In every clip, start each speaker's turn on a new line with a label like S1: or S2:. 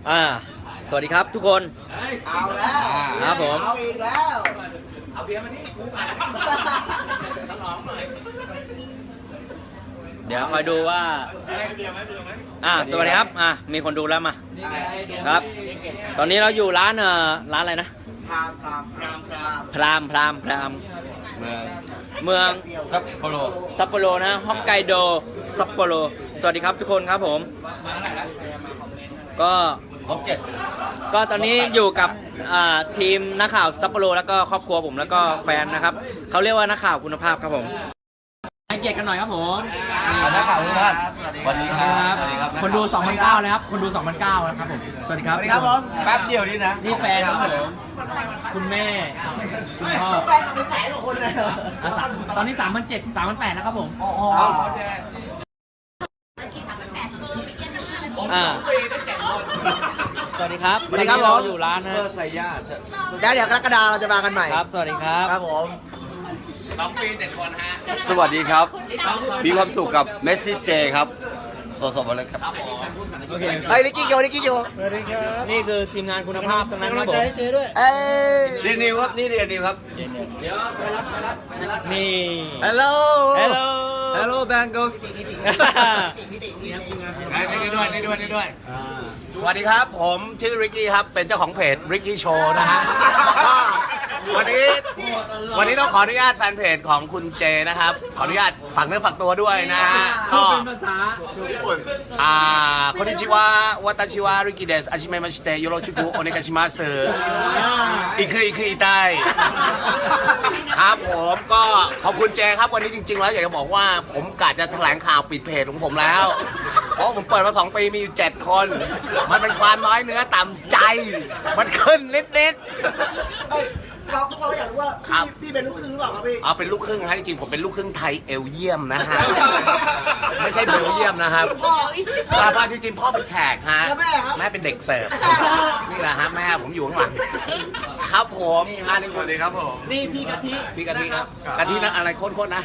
S1: อ่าสวัสดีครับทุกคน
S2: เอาแล้ว
S1: ครับผม
S2: เอาอีกแล้วเอาเบียร์มาดิ
S1: เดี๋ยวคอยดูว่าสวัสดีครับมีคนดูแล้วมาครับ ตอนนี้เราอยู่ร้านร้านอะไรนะพรามเมือง
S3: ซัปโปโร
S1: ซัปโปโรนะฮอกไกโดซัปโปโรสวัสดีครับทุกคนครับผมก็ก็ตอนนี้อยู่กับทีมนักข่าวซัปโปโรแล้วก็ครอบครัวผมแล้วก็แฟนนะครับเขาเรียกว่านักข่าวคุณภาพครับผมให้เกียรติกันหน่อยครับผม
S3: นักข่าวทุกท่านสวัสดีครับ
S1: คนดู 2,900 แล้วครับคนดู 2,900 นะครับผมสวัสดีครับ
S3: แป๊บเดียวนี่นะ
S1: นี่แฟนครับผมคุณแม่คุณพ่อ
S2: แฟนเป็นแสนกว่าคนเลยเหรอ
S1: ตอนนี้ 3,700 3,800 แล้วครับผมสวัสดีครับ
S2: สวัสดีครับผม
S1: อยู่ร้านนะ
S3: ใส่ย่า
S2: เดี๋ยวกรกฎาเราจะมากันใหม่
S1: ครับสวัสดีครับ
S2: ครับผม
S1: 2 ปี 7 คนฮะ
S3: สวัสดีครับมีความสุขกับเมสซี่เจครับสดๆมาเลยครับ
S1: โอเค
S2: เฮ้ยนิกกี้โย
S1: นี่คือทีมงานคุณภาพทั้งนั้นครับผม
S3: เรียนนิวครับนี่เรียนนิวครับ
S1: นี่
S3: Hello Bangkok
S4: นี่ด้วยสวัสดีครับผมชื่อริกกี้ครับเป็นเจ้าของเพจริกกี้โชว์นะฮะวันนี้ต้องขออนุญาตแฟนเพจของคุณเจนะครับขออนุญาตฝากเนื้อฝากตัวด้วยนะฮะก็
S1: เป็นภาษา
S4: ญี่ปุ่นคนนิชิวะวัตชิวะริกกี้เดสอาชิเมะมาชิเตะโยโรชิกุโอเนกาชิมัสอีคืออีไตครับผมก็ขอบคุณเจครับวันนี้จริงๆแล้วอยากจะบอกว่าผมกะจะแถลงข่าวปิดเพจของผมแล้วเพราะผมเปิดมา2 ปีมีอยู่7 คนมันเป็นความน้อยเนื้อต่ำใจมันขึ้นนิด
S2: เราทุกคนอยากรู้ว่าพี่เป็นลูกครึ่งหรือเปล่าครับพี่
S4: เป็นลูกครึ่งฮะจริงๆผมเป็นลูกครึ่งไทยเอลเยียมนะฮะไม่ใช่เบลเยียมนะครับพ่อจริงๆพ่อเป็นแขกฮะแม่เป็นเด็กเสิร์ฟนี่แหละฮะแม่ผมอยู่ข้างหลังครับผมนี่สวัสดีครับผม
S1: นี่พี่กะทิ
S4: ครับกะทินะอะไรโค้นๆ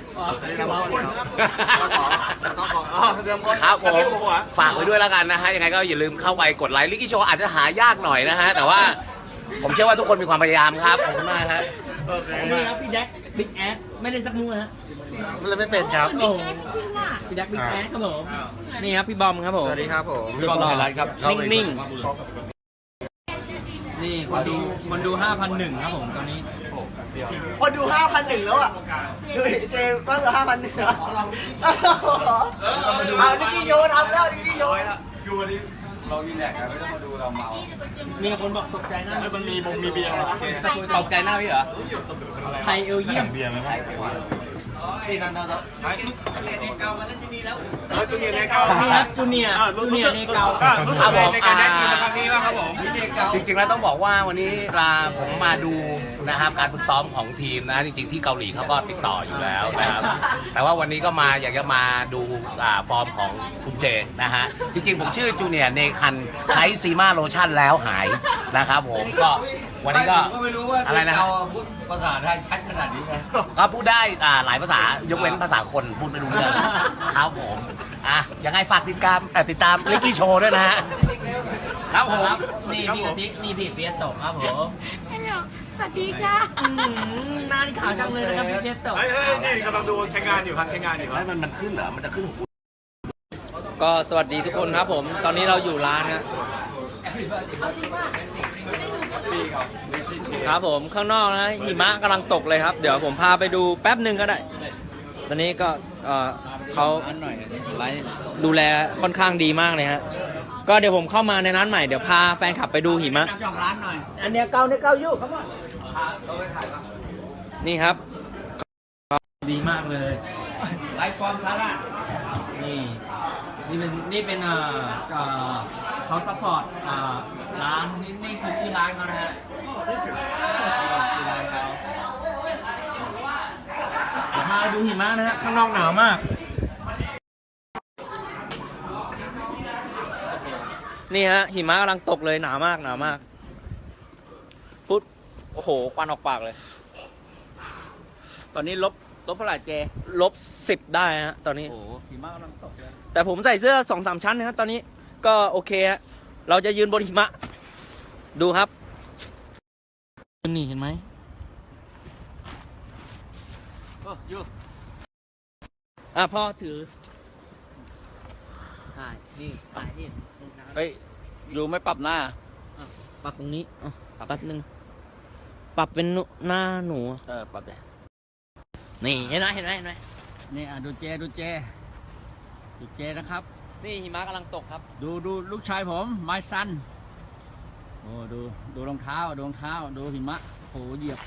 S4: นะครับผมฝากไว้ด้วยแล้วกันนะฮะยังไงก็อย่าลืมเข้าไปกดไลค์ลิกกี้โชว์อาจจะหายากหน่อยนะฮะแต่ว่าผมเชื่อว่าทุกคนมีความพยายามครับขอบคุณมากฮะ
S1: นี่ครับพี่แจ็คบิ๊กแอดไม่เล่นสักมูฮะ
S4: ไม่เป็นครับ
S1: พี่แจ็คบิ๊กแอดครับผมนี่ครับพี่บอมครับผม
S3: สวัสดีครับผม
S1: สุดหล่อครับนิ่งๆนี่คนดู 5,100 ครับผมตอนนี้
S2: คนดู 5,100 แล้วอ่ะดูเจก็เหลือ 5,100 แล้วเอานิกกี้โยทำแล้วนิกกี้โย
S3: คือวันนี้เราดีแลกกันไม่ต้องมาดูเราเมา
S1: มีคนบอกตกใจหน้า
S3: มันมีเบียร์
S4: ตกใจหน้าพี่เหรอ
S1: ไทยเอลเยี่ยม
S3: เบียร์ไหม
S4: นี่นั่น
S1: เนเกามาเล่นที่นี่แล้วจูเนียเนเกา
S4: ครับผมจริงๆแล้วต้องบอกว่าวันนี้ผมมาดูนะครับการฝึกซ้อมของทีมนะจริงๆที่เกาหลีเขาก็ติดต่ออยู่แล้วนะครับแต่ว่าวันนี้ก็อยากจะมาดูฟอร์มของคุณเจนะฮะจริงๆผมชื่อจูเนียเนคันใช้ซีมาโลชั่นแล้วหายนะครับผมก็วันนี้ก็
S3: ไม่รู้ว่า
S4: อะไรนะ
S3: พูดภาษาไทยชัดขนาดนี้ไหม
S4: ก็พูดได้หลายภาษายกเว้นภาษาคนพูดไม่รู้เรื่องครับผมยังไงฝากติดตามลิกกี้โชว์ด้วยนะฮะครับผม
S1: นี่พี่กะทินี่พี่เฟียสโตครับผม
S5: สวัสดีค่ะ
S1: หน้านี่ขาวจังเลยนะครับพี่เฟียสโต
S3: นี่กำลังดูใช้งานอยู่ครับ
S4: มันขึ้นเหรอมันจะขึ้น
S1: ก็สวัสดีทุกคนครับผมตอนนี้เราอยู่ร้านนะครับผมข้างนอกนะหิมะกำลังตกเลยครับเดี๋ยวผมพาไปดูแป๊บหนึ่งก็ได้ตอนนี้ก็เขาดูแลค่อนข้างดีมากเลยฮะก็เดี๋ยวผมเข้ามาในร้านใหม่เดี๋ยวพาแฟนคลับไปดูหิมะอันเนี้ยเก่าอยู่ครับนี่ครับดีมากเลย
S3: ไลฟ์ฟอร์มท่าละ
S1: นี่เป็นเขาซัพพอร์ตร้านนี่คือชื่อร้านเขานะฮะชื่อร้านเขาเดี๋ยวพาดูหิมะนะฮะข้างนอกหนาวมากนี่ฮะหิมะกำลังตกเลยหนาวมากปุ๊บโอ้โหควันออกปากเลยตอนนี้ลบเท่าไหร่เจ-10ได้ฮะตอนนี้โอ้หิมะกำลังตกเลยแต่ผมใส่เสื้อ 2-3 ชั้นนะครับตอนนี้ก็โอเคฮะเราจะยืนบนหิมะ ดูครับนี่เห็นไหมพ่อถือถ่ายนี่ถ่ายนี่
S3: เฮ้ยดูไม่ปรับหน้า
S1: ปรับตรงนี้แป๊บนึงปรับเป็นหน้าหนู
S3: ปรับเลย
S1: นี่เห็นไหมเห็นไหมเห็นไหม
S6: นี่ดูเจนะครับ
S1: นี่หิมะกำลังตกครับ
S6: ดูลูกชายผมไมซันโอ้ดูรองเท้าดูหิมะโหเหยียบ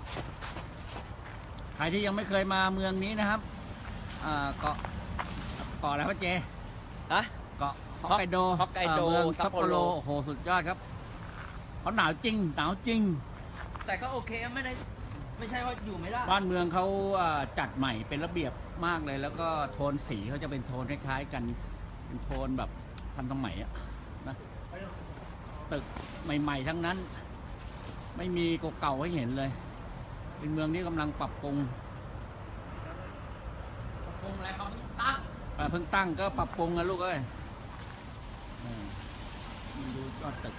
S6: ใครที่ยังไม่เคยมาเมืองนี้นะครับเกาะอะไรวะเจ
S1: ฮะ
S6: เกาะฮอกไกโด
S1: ฮอกไกโด
S6: เมือง
S1: ซั
S6: ซั
S1: ป
S6: ป
S1: โป
S6: โป
S1: โร
S6: โรโอ้โหสุดยอดครับเขาหนาวจริง
S1: แต่ก็โอเคไม่ใช่ว่าอยู่ไม่ได้
S6: บ้านเมืองเขาจัดใหม่เป็นระเบียบมากเลย แล้วก็โทนสีเขาจะเป็นโทนคล้ายๆกันเป็นโทนแบบทันสมัยอะนะตึกใหม่ๆทั้งนั้น ไม่มีเก่าๆให้เห็นเลย เป็นเมืองที่กำลังปรับปรุง
S1: วงอะไรเขาตั้ง
S6: เพิ่งตั้งก็ปรับปรุงนะลูกเอ้ยดูยอดตึก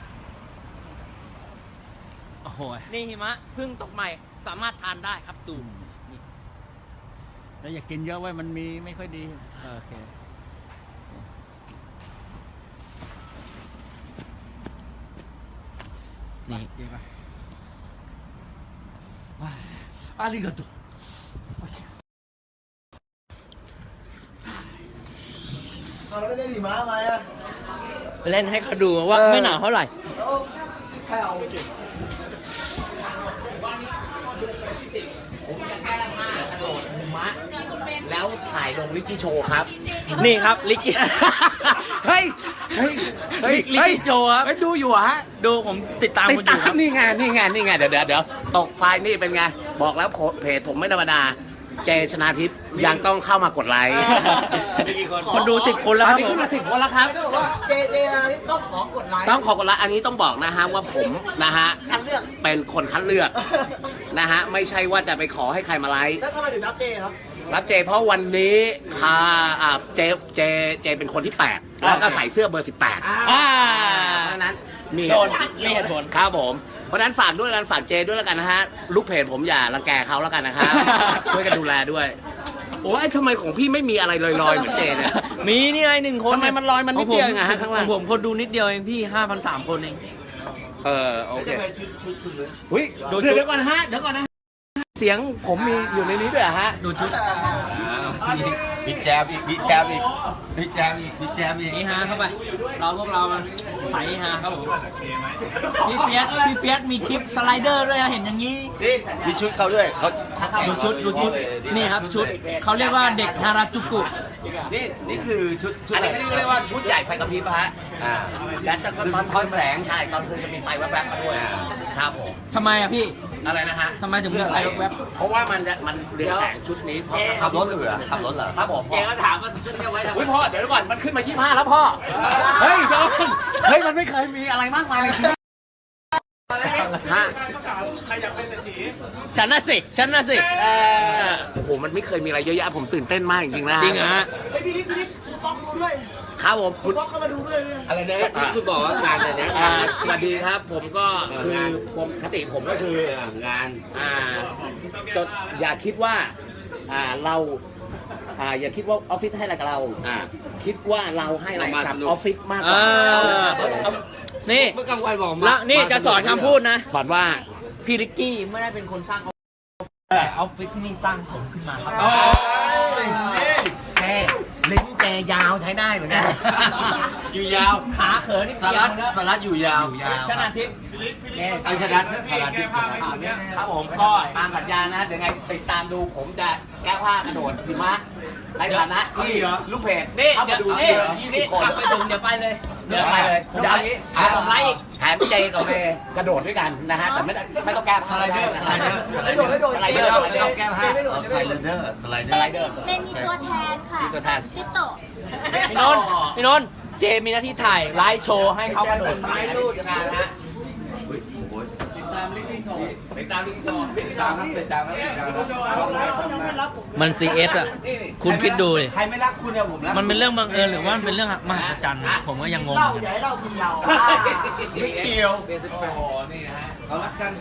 S6: โอ้โห
S1: นี่หิมะเพิ่งตกใหม่สามารถทานได้ครับดูนี่
S6: แล้วอย่ากินเยอะไว้มันมีไม่ค่อยดีโอเคนี่เจ๊ป่ะอาริกาโต
S2: เราไม่เล่นหิมะมาอ่ะ
S1: เล่นให้เขาดูว่าไม่หนาวเท่าไหร่
S2: ใครเอาจริง
S4: แล้วถ่ายลงลิกกี้โชว์ครับ
S1: นี่ครับลิกกี้
S4: เฮ้ย
S1: ลิกกี้โจครับ
S4: เฮ้ยดูอยู่ฮะ
S1: ดูผมติดตาม
S4: ติด
S1: คุณอยู่
S4: ตา
S1: ครั
S4: ม
S1: บ
S4: นี่ไงเดี๋ยวตกไฟล์นี่เป็นไง บอกแล้วเพจผมไม่ธรรมดา เจชนาทิพย์ยังต้องเข้ามากดไลค์
S1: คนดู10 คนแล้ว
S4: ต
S1: ค
S4: อน
S1: รับ
S4: นี้
S1: ผ
S4: ขึ้
S1: ม
S4: นมา10 คนแล้วครับ
S2: ไม่ต้องบอกว่าเจนี่ต้องขอกดไลค์
S4: ต้องขอกดไลค์อันนี้ต้องบอกนะฮะว่าผมนะฮะ
S2: คัดเลือก
S4: เป็นคนคัดเลือกนะฮะไม่ใช่ว่าจะไปขอให้ใครมาไลค์
S2: แล้วทำไมถึงรับเจครับ
S4: รับเจเพราะวันนี้เจเป็นคนที่8แล้วก็ใส่เสื้อเบอร์ 18
S1: อ่า
S4: เพราะฉะนั้นมี
S1: โดนมีเหตุผล
S4: ครับผมเพราะฉะนั้นฝากด้วยกันฝากเจด้วยแล้วกันนะฮะลูกเพจผมอย่ารังแกเขาแล้วกันนะครับ ช่วยกันดูแลด้วยโอ้ยทำไมของพี่ไม่มีอะไรลอยๆเหมือนเจเนี่ย
S1: มีนี่ไง1 คน
S4: ทำไมมันลอยมันนิดเดียวเองอะฮะข้างล่าง
S1: ของผมคนดูนิดเดียวเองพี่ 5,300 คนเอง
S4: โอเค
S2: ชุดคุณเลย
S4: อุ้ยเดี๋ยวก่อนนะฮะเสียงผมมีอยู่ในนี้ด้วยเหรอฮะ
S1: ดูชุด
S3: มีแจมอีกมีแจมอีก
S1: นี่ฮาเข้าไปพวกเรามันใส่ฮาครับผมพี่เฟียสมีคลิปสไลเดอร์ด้วยนะเห็นอย่างนี้
S3: นี่มีชุดเขาด้วยเขา
S1: ดูชุดนี่ครับชุดเขาเรียกว่าเด็กฮาราจูกุ
S3: นี่คือชุด
S4: อันนี้เขาเรียกว่าชุดใหญ่ไฟกระพริบฮะและตอนทอนแสงใช่ตอนคืนจะมีไฟแวบๆมาด้วยครับผม
S1: ทำไมอะพี่
S4: อะไรนะฮะ
S1: ทำไมถึงมีไฟแวบ
S4: เพราะว่ามันเรียงแสงชุดนี้ขับรถเหรอครับผมเจก็ถามว่าขึ้นไว้ทำไมพ่อเดี๋ยวก่อนมันขึ้นมา25แล้วพ่อเฮ้ยโดนเฮ้ยมันไม่เคยมีอะไรมากมายในชีวิตฮะ
S1: ฉันน่ะสิ
S4: โอ้โหมันไม่เคยมีอะไรเยอะแยะผมตื่นเต้นมากจริงๆนะ
S1: จริงเหรอฮะ
S2: เฮ้ยพี่นิดคุณป๊อกดูด้วย
S4: ครับผม
S2: คุณป๊อกเข้ามาดูด้วยเนี่ย
S4: อะไรนะที่คุณบอกว่างานอะไรนะสวัสดีครับผมก็คือผมคติผมก็คืองานจดอย่าคิดว่าเราอย่าคิดว่าออฟฟิศให้อะไรกับเราคิดว่าเราให้อะไรกับออฟฟิศมากกว่า
S1: นี่
S3: เมื่อกลางวันบอก
S1: แล้วนี่จะสอนคำพูดนะ
S4: สอนว่า
S1: พี่ริกกี้ไม่ได้เป็นคนสร้างออฟฟิศแต่ออฟฟิศที่นี่สร้างผมขึ้นมาครับ
S4: แกลิ้นแกยาวใช้ได้เหมือนกัน
S3: อยู่ยาว
S1: ขาเขินนี่
S3: สา
S1: เกีย
S3: รั
S1: ว
S3: ด
S1: แล้ว
S3: สารัดอยู่ยาว
S1: ชนะทิพย์
S3: ไอ้ชนะสารัดที่
S4: ครับผมก็ตามสัญญานะเดี๋ยวไงติดตามดูผมจะแก้ผ้ากระโดดหิมะในฐานะที่ลูกเพจ
S1: นี่
S4: เข้า
S1: เดี๋
S4: มา
S1: ยว
S4: ดู
S1: นี่
S4: 20 คน
S1: กลับไปถึงเดี๋ยวไปเลย
S4: เดี๋ยวไปเลยเดี๋ยวนี้
S1: แถมผมไลค์อีก
S4: แถมเจกับเมย์กระโดดด้วยกันนะฮะแต่ไม่ต้องแก้ผ้า
S3: สไลเดอร์
S2: ไม่โดด
S4: สไลเดอร์
S2: ไม่โดดแก้ผ้าไม่โดด
S3: สไลเดอร์
S4: สไลเดอร์
S5: เป็นมีตัวแทนค่ะ
S4: มีตัวแทน
S5: พี่โตะ
S1: พี่นนท์เจมีหน้าที่ถ่ายไลฟ์โชว์ให้เขากระโดด
S4: ไม้รูดงานฮะ
S1: มัน CS อ่ะ คุณคิดดูดิ
S3: ใครไม่รักคุณเนี่ยผมรัก
S1: มันเป็นเรื่องบังเอิญหรือว่ามันเป็นเรื่องมหัศจรรย์ผมก็ยังงง
S2: เหล้า
S1: เหมือน
S2: อย่า
S1: กัน
S2: ให้เหล้ากินเรา
S3: ไม่เกี่ยว
S4: นี่นะฮะ
S3: เรารักกัน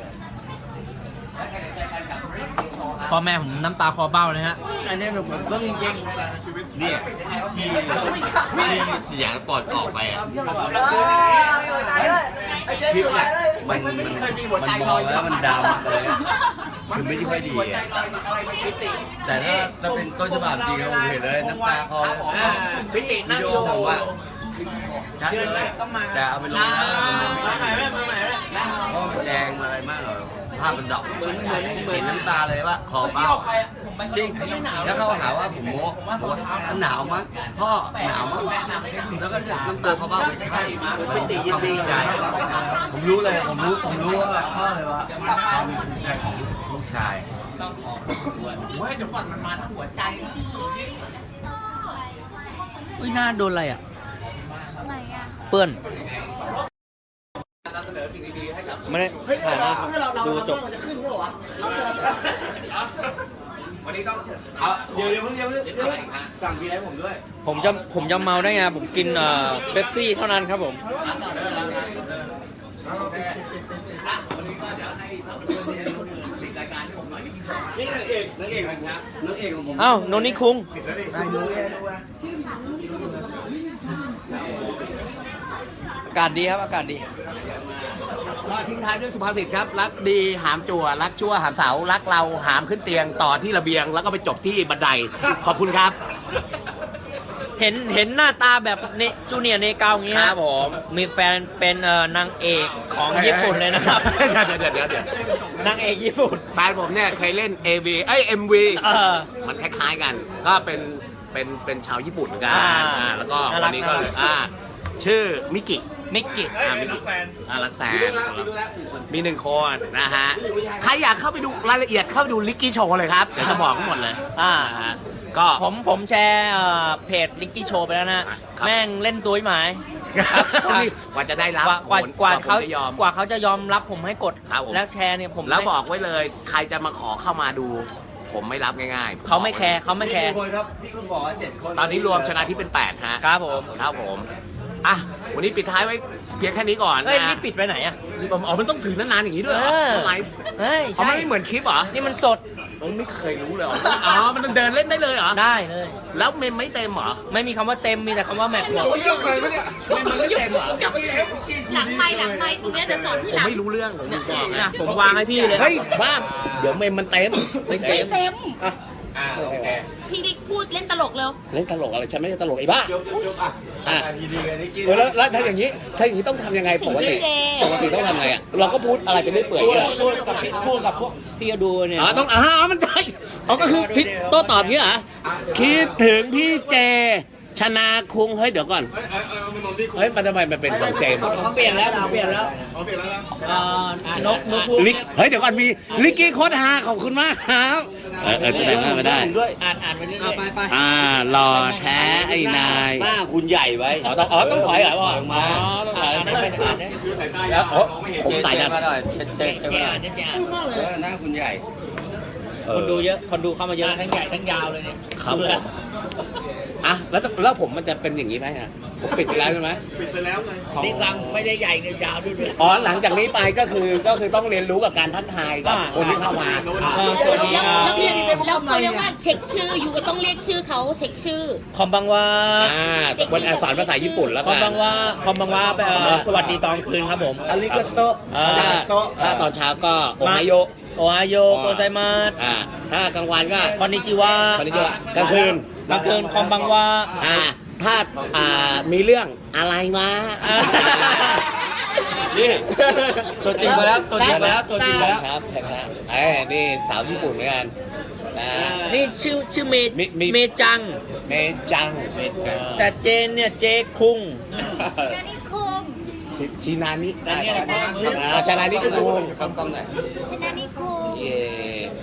S1: พ่อแม่ผมน้ำตาคอเบ้าเลยฮะ อันนี้แบบผมซึ้งจริง
S3: เนี่ยที่เสียงปอดออกไปอ่ะ
S2: หัวใจเลยไอ้เจ๊หัวใจเลย
S3: มันมองแล้วมันดาวมากเลยคือไม่ค่อยดีอ่ะแต่ถ้าเป็นต้นฉบับจริงผมเห็นเลยน้ำตาคอวิดีโอผมอ่ะชัดเลยแต่เอาไปลงแล้วมันแดงอะไรมากเลยภาพมันดอกเห็นน้ำตาเลยว่าคอเบ้าจริงแล้วเขาหาว่าผมโม้บอกว่าหนาวมั้งพ่อหนาวมั้งแล้วก็น้ำตาเขาเบ้าไม่ใช่ไม่ติยินดีใจผมรู้เลยผมรู้ว่าพ่อเลยว่าความภูมิใจของลูกชาย
S4: เดี๋ยวก่อนมันมาทั้งหัวใจ
S1: อุ้ยหน้าโดนอะไรอ่ะ
S5: ไหนอ่ะ
S1: เปื้อนไม่ได้
S2: เฮ้ย
S1: ถ่ายนะ
S2: ถ้าเรา
S1: ดูจบ
S2: มันจะขึ้นด้วยวะ
S3: วันนี้ต้องเดี๋ยวเพิ่งสั่งพี่ให้ผมด้วย
S1: ผมจะเมาได้ไง ผมกินเป๊ปซี่เท่านั้นครับผม
S3: นี่นางเอกของผม
S1: เอ้าโนนี่คุง
S3: ได้ดู
S1: อากาศดีครับ อากาศดี
S4: ก็ทิ้งท้ายด้วยสุภาษิตครับ รักดีหามจั่วรักชั่วหามเสารักเราหามขึ้นเตียงต่อที่ระเบียง แล้วก็ไปจบที่บันได ขอบคุณครับ
S1: เห็นหน้าตาแบบเนจูเนียร์เนกาวอย่างเงี้ย
S4: ครับผม
S1: มีแฟนเป็นนางเอกของญี่ปุ่นเลยนะครับ
S4: เดี๋ยวน
S1: างเอกญี่ปุ่น
S4: แฟนผมเนี่ยเคยเล่น MV มันคล้ายๆกัน ก็เป็นชาวญี่ปุ่นเหมือนกัน แล้วก็วันนี้ก็เลยชื่อมิกิ
S1: มิกิ
S4: มิกิรักแฟนมีหนึ่งคนนะฮะ ใครอยากเข้าไปดูรายละเอียดเข้าไปดูลิกกี้โชว์เลยครับ เดี๋ยวจะบอกทั้งหมดเลย ฮะก็
S1: ผมแชร์เพจลิกกี้โชว์ไปแล้วนะ
S4: ครับ
S1: แม่งเล่นตัวหมาย
S4: กว่าจะได้รับ
S1: กว่าเขา
S4: จะยอม
S1: กว่าเขาจะยอมรับผมให้กด
S4: ครับผม
S1: แล้วแชร์เนี่ยผม
S4: แล้วบอกไว้เลย ใครจะมาขอเข้ามาดู ผมไม่รับง่ายๆ
S1: เขาไม่แคร์เขาไม่แคร์
S3: คนครับที่คุณบอกว่า7 คน
S4: ตอนนี้รวมชนะที่เป็น 8 ฮะ
S1: ครับผม
S4: ครับผม อ่ะ วันนี้ปิดท้ายไว้เพียงแค่นี้ก่อน
S1: เฮ้ย
S4: นะ
S1: นี่ปิดไปไหนอ่ะ
S4: อ๋อมันต้องถือนานๆอย่างนี้ด้วยเหรอทำไม
S1: เฮ้ย
S4: อ๋อ
S1: ใช่
S4: มันไม่เหมือนคลิปเหรอ
S1: นี่มันสด
S4: ผมไม่เคยรู้เลยอ๋อ มันต้องเดินเล่นได้เลยเหรอ
S1: ได้เลย
S4: แล้วเมมไม่เต็มเหรอ
S1: ไม่มีคำว่าเต็มมีแต่คำว่าแม็กหมด
S4: เมมมันไม่เต็มเหรอ
S5: หลังไปตรงเนี้ยจะสอนที่
S4: ผม
S5: หลัง
S4: ไม่รู้เรื่องผมบอก
S1: นะ
S4: นะ
S1: ผมวางให้พี่เลย
S4: เฮ้ยบ้าเดี๋ยวเมมมันเต็ม
S1: ไม่เต็ม
S5: เต็ม
S4: โอเค
S5: พี่ดิ๊กพูดเล่นตลกเร็ว
S4: เล่นตลกอะไรฉันไม่ใช่ตลกไอ้บ้า อ่ะ
S3: ยินดีกันนี่กิน
S4: แล้วถ้าอย่างนี้ต้องทำยังไงปกติ
S5: เจ
S4: ปกติต้องทำไงอ่ะ เราก็พูดอะไรไปเรื่อยเปื่อยอย่างเงี้ย
S1: พูดกับพวกที่ดูเนี่ย
S4: ต้องมันใช่ก็คือฟิตโต้ตอบเงี้ยเหรอคิดถึงพี่เจ ชนาคุงเฮ้ยเดี๋ยวก่อนเฮ้ยมันทำไมมันเป็นของเจมส์
S1: ผมเปลี่ยนแล้วผมเปลี่ยนแล้วนกพูด
S4: ลิกเฮ้ยเดี๋ยวก่อนมีลิกกี้โคตรฮาขอบคุณมากครับแสดงว่าไม่ได้
S1: อ่านไปเรื่อยๆไป
S4: หล่อแท้ไอ้นาย
S3: หน้าคุณใหญ่ไว้
S4: ต้องถอยเหรอพ่อต้องถอยแล้วผมใส่
S3: เช็
S4: ดั
S3: คน มาหน่อยเช็คมาหน่อย หน้าคุณใหญ่
S1: คนดูเยอะคนดูเข้ามาเยอะทั้งใหญ่ทั้งยาวเลยเนี่ย
S4: ครับผมอ่ะแล้วผมมันจะเป็นอย่างนี้ไหมฮะผมปิดไปแล้วใช่ไหม
S1: นี่สั่งไม่ได้ใหญ่เนี่ยยาวด้วย
S4: อ๋อหลังจากนี้ไปก็คือต้องเรียนรู้กับการทักทายกับคนที่เข้ามา
S1: สวัสดีค
S5: แล้
S1: รั
S5: ว
S1: บ
S5: เขาเรียกว่าเช็คชื่ออยู่ก็ต้องเรียกชื่อเขาเช็คชื่อ
S1: คอมบังวา
S4: วันสอนภาษาญี่ปุ่นแล้ว
S1: คอ
S4: กั
S1: มบังวาคอมบังวาสวัสดีตอนคืนครับผม
S3: อาริกาโต
S4: ถ้าตอนเช้าก็โอไฮโย
S1: โอไฮโยโกไซมาส
S4: ถ้ากลางวันก็
S1: คอนนิชิวะ
S4: คนนี้จะกลางคืน
S1: กลางคืนคอมบังวา
S4: ถ้ามีเรื่องอะไรมา
S3: นี่ตัวจริงมาแล้วตัวจริงมาแล้วตัวจริงมาแล้ว
S4: ครับนี่สาวญี่ปุ่นเหมือนกัน
S1: นี่ชื่อเมจัง
S4: เมจัง
S1: แต่เจนเนี่ยเจคุง
S5: นานิคุง
S4: ชินานิ
S1: อันนี้อะไร
S4: ชนานิคุง
S3: กล้องไหน
S5: ชนานิคุง
S4: เย่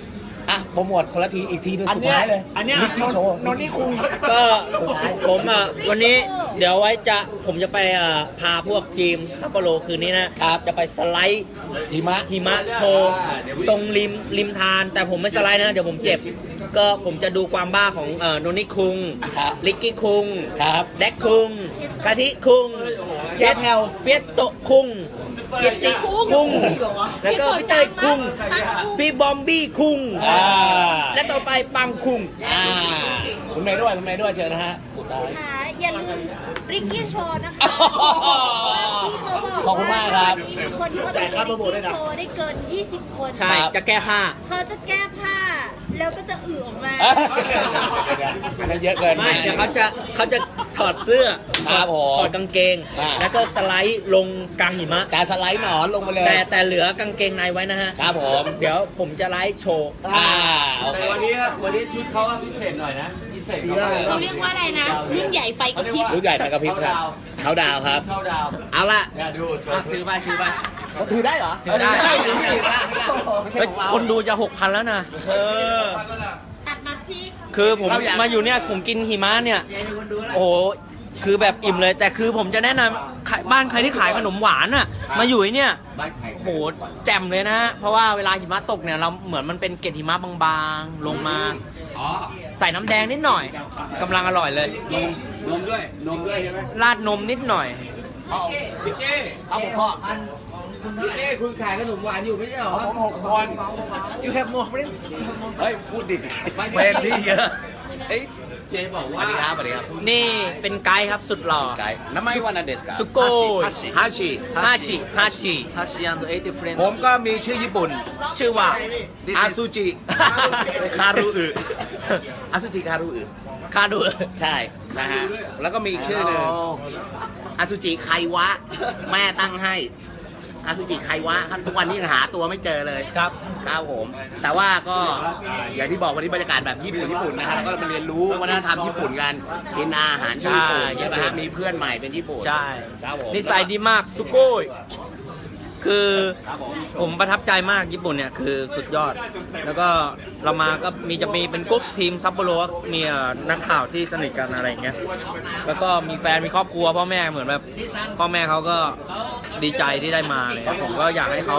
S4: อ่ะโปรโมทคนละทีอีกทีนึงสุดท้ายเลย
S2: อันเนี้ย
S4: ลิกกี้โชว์
S2: นนนี่คุง
S1: ก็ผมวันนี้เดี๋ยวไว้ผมจะไปพาพวกทีมซัปโปโรคืนนี้นะครับ จะไปสไลด์
S4: หิมะ
S1: หิมะโชว์ตรงริมทาน แต่ผมไม่สไลด์นะ เดี๋ยวผมเจ็บ ก็ผมจะดูความบ้าของโนนี่คุง
S4: ครับ
S1: ลิกกี้คุง
S4: ครับ
S1: แดกคุงกะทิคุง
S2: แจ๊คแฮว
S1: เฟียสโตะคุงเกียรติคุง แล้วก็พี่เต้ยคุงพี่บอมบี้คุง
S4: อ่า
S1: และต่อไปปังคุง
S4: คุณเมย์ด้วยคุณเมย์ด้วยเชิญนะฮะสุดท้าย
S7: ค่ะอย่าลืมริกกี้โชว์นะคะ ที่เขาบอก
S4: ขอบคุณมากครับ
S7: มีคนที่เขาจะริกกี้โชว์ได้เกิน 20 คน
S1: ใช่ จะแก้ผ้า
S7: เขาจะแก้ผ้า แล้วก็จะอึออกมา
S4: อันนั้นเยอะเกิน
S1: ไม่เดี๋ยวเขาจะถอดเสื้อ
S4: ครับผม
S1: ถอดกางเกง
S4: อ่า
S1: แล้วก็สไลด์ลงกลางหิมะ
S4: การสไลด์หนอนลงมาเลย
S1: แต่เหลือกางเกงในไว้นะฮะ
S4: ครับผม
S1: เดี๋ยวผมจะไลฟ์โชว์
S4: โอเค
S3: แต่วันนี้ชุดเขาพิเศษหน่อยนะพิเศษ
S5: เขาเรียกว่าอะไรนะ รุ่นใหญ่ไฟกระพริบ
S4: ลูกใหญ่ไฟกระพริบครับเขาดาวครับ
S3: เข้าดาว
S4: เอาละ
S3: เนี่ยดู
S1: ถือไป
S4: เขาถือได้เหรอ
S1: ถือได้
S4: ไม่ใช่
S1: เฮ้ย
S4: ของเรา
S1: คนดูจะ 6,000 แล้วนะ
S5: ตัดมาที่
S1: คือผม
S4: เราอยาก
S1: มาอยู่เนี่ยผมกินหิมะเนี่ย โอ้โห คือแบบอิ่มเลย แต่คือผมจะแนะนำบ้านใครที่ขายขนมหวานอ่ะ มาอยู่ไอ้เนี่ย โอ้โห แจ่มเลยนะ เพราะว่าเวลาหิมะตกเนี่ยเราเหมือนมันเป็นเกล็ดหิมะบางๆ ลงมา
S3: อ๋อ
S1: ใส่น้ำแดงนิดหน่อยกำลังอร่อยเลย
S3: นมด้วยใช่ไหม
S1: ราดนมนิดหน่อย
S3: พี่เจ้
S4: เขาผมพ่อ
S3: พี่เจ้คุณขายขนมหวานอยู่ไม่ใช่เหรอ
S4: ผม6 คน
S2: You have more friends
S4: เฮ้ย พูดดิเฟรนที่เยอะ
S3: เอ้ยเจ๊บอก
S4: ส
S3: ว่า
S4: วัสดีครับสวัสดีครับ
S1: นี่เป็นไกด์ครับสุดหล่อ
S4: ไกด์น้ำไม่วันนันเดสกับ
S1: สุโกย
S4: ฮาชิ
S1: ฮาชิ
S2: Hashi and 80 friends
S4: ผมก็มีชื่อญี่ปุ่น
S1: ชื่อว่า
S4: อาซูจิ คารุอึอาซูจิคารุอึ
S1: คาดู
S4: ใช่นะฮะ แล้วก็มีอีกชื่อหนึ่งอาซูจิไควะ แม่ตั้งให้อาซูจิไควะครับทุกวันนี้ยังหาตัวไม่เจอเลย
S1: ครับ
S4: ครับผม แต่ว่าก็อย่างที่บอกวันนี้บรรยากาศแบบญี่ปุ่นนะฮะแล้วก็มาเรียนรู้วัฒนธรรมญี่ปุ่นกันกินอาหารญี่ปุ่น
S1: ใช่
S4: ใช่ไหมฮะมีเพื่อนใหม่เป็นญี่ปุ่น
S1: ใช่
S4: ครับผม
S1: นิสัยดีมากสุโกยคือผมประทับใจมากญี่ปุ่นเนี่ยคือสุดยอด แล้วก็เรามาก็จะมีเป็นกรุ๊ปทีมซัปโปโรมีนักข่าวที่สนิทกันอะไรอย่างเงี้ยแล้วก็มีแฟนมีครอบครัวพ่อแม่เหมือนแบบพ่อแม่เขาก็ดีใจที่ได้มาเลยผมก็อยากให้เขา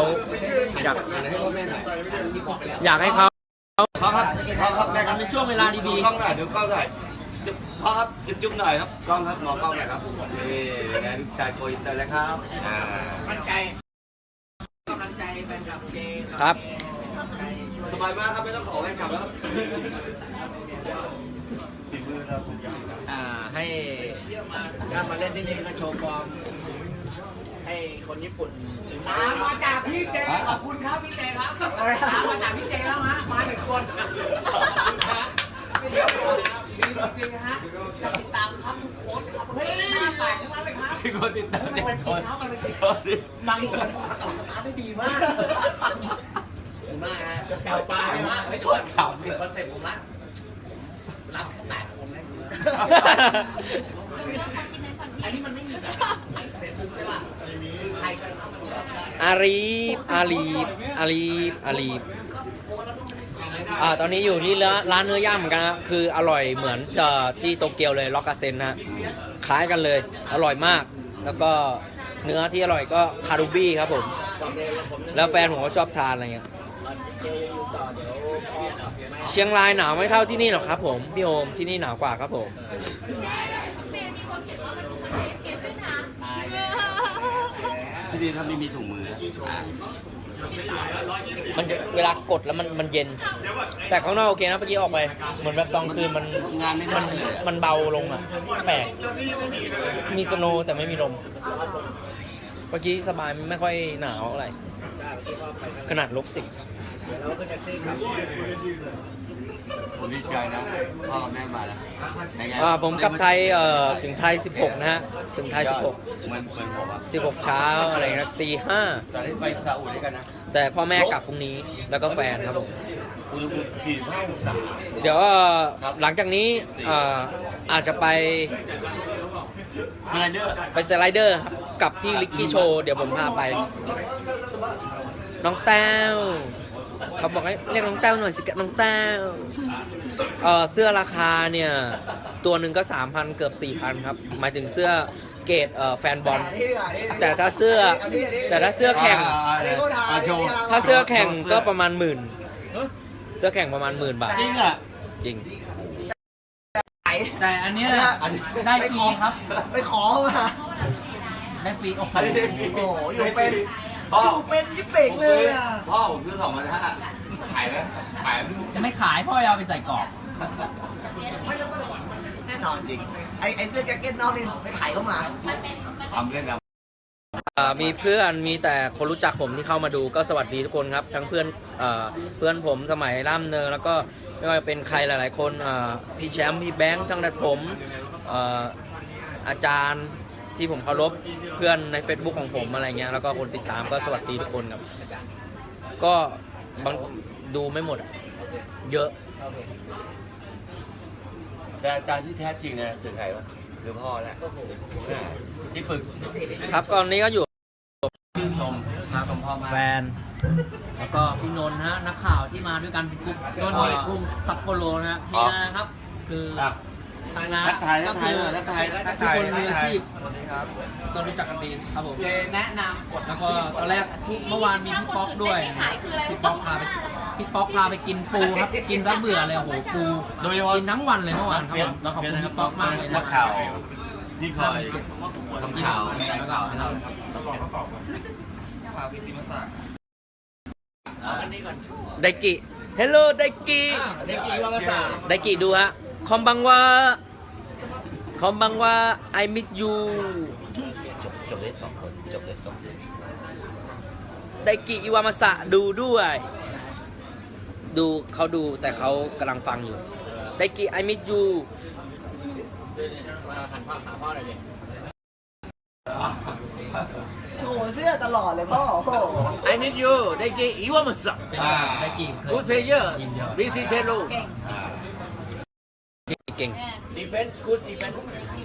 S1: อยากให้เขา
S3: พ่อครับพ่อครับแม่ครับ
S1: ในช่วงเวลาดี
S3: ดูกล้องหน่อยดูกล้องหน่อยพ่อครับจุ๊บหน่อยครับกล้องครับมองกล้องหน่อยครับนี่ไงลูกชายโกอินเตอร์แล้วครับ
S1: ครับ
S3: สบายมากครับไม่ต้องขอให้กลับแล้วครับ
S1: ให้ถ้ามาเล่นที่นี่ก็โชว์ฟอร์มให้คนญี่ปุ่น
S4: มาจากพี่เจขอบคุณครับพี่เจครับมาจากพี่เจแล้วฮะมาหนึ่งคนดีจริงๆฮะจะติดตามครับทุกโพสต์ครับเฮ้ยหน้าแปลกทั้งนั้นเลยครับ
S3: มีคนติดตาม
S4: มันเป็นจริงครับมันเป็นจริง
S2: บางคน
S4: สตาร์ทได้ดีมากขอบคุณมากฮะเก่าปลาใช่ไหมเฮ้ยทุกคนเก่าผิดคอนเซ็ปต์ผมละรับแตกผมได้ดีมากอันนี้มันไม่มีแบบเฟซบุ๊กใช่ป่ะใครก็ทำมันได้
S1: อาลีฟตอนนี้อยู่ที่ร้านเนื้อย่างเหมือนกันนะคืออร่อยเหมือนที่โตเกียวเลยล็อกกาเซนนะคล้ายกันเลยอร่อยมาก แล้วก็เนื้อที่อร่อยก็คารูบี้ครับผมแล้วแฟนผมก็ชอบทานอะไรเงี้ยเชียงรายหนาวไม่เท่าที่นี่หรอกครับผมพี่โอมที่นี่หนาวกว่าครับผม
S3: ที่นี่ถ้าไม่มีถุงมือ
S1: มันเวลากดแล้วมันเย็น แต่ข้างนอกโอเคนะเมื่อกี้ออกไปเหมือนแบบตอนคืนมันเบาลงอ่ะแปลกมีสโนว์แต่ไม่มีลมเมื่อกี้สบายไม่ค่อยหนาวอะไรขนาด-10
S3: ผมดีใจนะพ่อแม่มาแล้ว
S1: ผมกลับไทยถึงไทย16นะฮะถึงไทย16
S3: เหมือนผมอ่ะ
S1: 16เช้าอะไรนะตี
S3: ตอนนี้ไปซาอุด้วยกันนะ
S1: 5แต่พ่อแม่กลับพรุ่งนี้แล้วก็แฟนครับผม
S3: อุณหภูมิ45 องศา
S1: เดี๋ยวหลังจากนี้อาจจะไป
S3: สไลเดอร์
S1: สไลเดอร์ครับกับพี่ลิกกี้โชว์เดี๋ยวผมพาไป น้องแต้วเขาบอกให้เรียกน้องแต้วหน่อยสิน้องแต้วเสื้อราคาเนี่ยตัวหนึ่งก็ 3,000 เกือบ 4,000 ครับหมายถึงเสื้อเกรดแฟนบอลแต่ถ้าเสื้อแข่งถ้าเสื้อแข่งก็ประมาณหมื่นเสื้อแข่งประมาณ10,000 บาท
S3: จริงอ่ะ
S1: จริง
S6: แต่อันเนี้ยได้ฟรีครับ
S2: ไปขอมา
S6: ได้ฟรีโอ้โห
S2: โอ้โหอยู่เป็น
S3: พ่อ
S2: อยู่เป็นยิบเป่งเลยอ่ะ
S3: พ่อผมซื้อ2,500ขายไหมขาย
S6: ไม่ขายพ่อเอาไปใส่กรอบ
S2: แน่นอนจริงไอ้เสื้อแจ็คเก็ตนอกนี่ไปถ่ายเข้ามา
S3: ทำเล่นกัน
S1: มีเพื่อนมีแต่คนรู้จักผมที่เข้ามาดูก็สวัสดีทุกคนครับทั้งเพื่อนผมสมัยร่ำเนินแล้วก็ไม่ว่าจะเป็นใครหลายๆคนพี่แชมป์พี่แบงค์ช่างดัดผมอาจารย์ที่ผมเคารพเพื่อนใน Facebook ของผมอะไรเงี้ยแล้วก็คนติดตามก็สวัสดีทุกคนครับก็บางดูไม่หมดเยอะ
S3: แต่อาจารย์ที่แท้จริงเนี่ยคือใครวะคือพ่อแหละที่ฝึก
S1: ครับตอนนี้ก็อยู่
S3: ชื่นชม
S1: ครับ
S3: ชมพ่อมาก
S1: แฟนแล้วก็พี่นนท์ฮะนักข่าวที่มาด้วยกันเป็นกลุ่มนนท์คุมซัปโปโรนะฮะนี่นะครับคือทางงาน
S3: ทักทาย
S1: ก็
S3: ทักทาย
S1: คือ
S3: ทักทาย
S1: ทุกคนมีอาชีพสวัสดีครับก็รู้จักกันดีครับผมแนะนำแล้วก็ตอนแรกเมื่อวานมีพี่ป๊อกด้วยพี่ป๊อกพาไปกินปูครับกินซะเบื่อเลยโอ้โหปู
S3: โดยเฉพาะ
S1: กินทั้งวันเลยเมื่อวานครับผมแล้วขอบคุณพี่ป๊อกมากเลย
S3: นั
S1: นะ
S3: กข่าวที่คอยทำข่าว
S1: นักข่าวให้เรา ไดกิเฮลโลไดกิไดกิดูฮะคอมบังว่า I miss you
S3: จบได้2 คนจบได้2
S1: ไดกิอิวามาสะดูด้วย ดูเขาดูแต่เขากำลังฟังอยู่ไดกิ I miss you
S2: โชว์เสื้อตลอดเลยพ่อโอ้โห
S4: I need you ได้กี่อีวามัส
S1: ไดกิ
S4: Good player BC เทลู
S1: เก่ง
S4: Defense good defense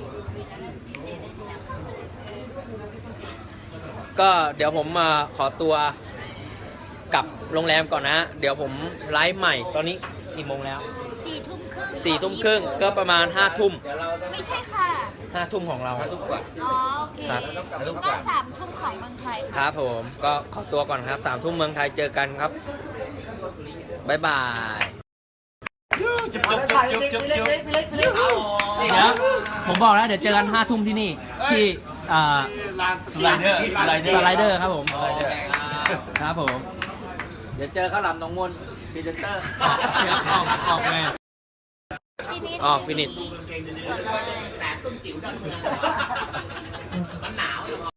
S1: ก็เดี๋ยวผมขอตัวกลับโรงแรมก่อนนะ เดี๋ยวผมไลฟ์ใหม่ตอนนี้กี่โมงแล้ว
S7: 4 ทุ่มครึ่ง
S1: 4 ทุ่มครึ่งก็ประมาณ5 ทุ่ม
S7: ไม่ใช่ค่ะ
S1: 5 ทุ่มของเรา
S7: อ๋อ โอเค
S1: ครับ
S7: ก็3 ทุ่มของเมืองไทย
S1: ค
S7: ค่ะ
S1: รับผมก็ขอตัวก่อนครับ3 ทุ่มเมืองไทยเจอกันครับบ๊ายบาย
S2: เอาไปถ่ายพี่เล็ก
S1: เดี๋ยวผมบอกแล้วเดี๋ยวเจอกัน5 ทุ่มที่นี่ที่
S3: สไลเดอร์
S1: สไลเดอร์ครับผมครับผม เดี๋ยวเจอข้าวหลามหนองมนพรีเซนเตอร์ออกไงฟินิช
S7: จบเลย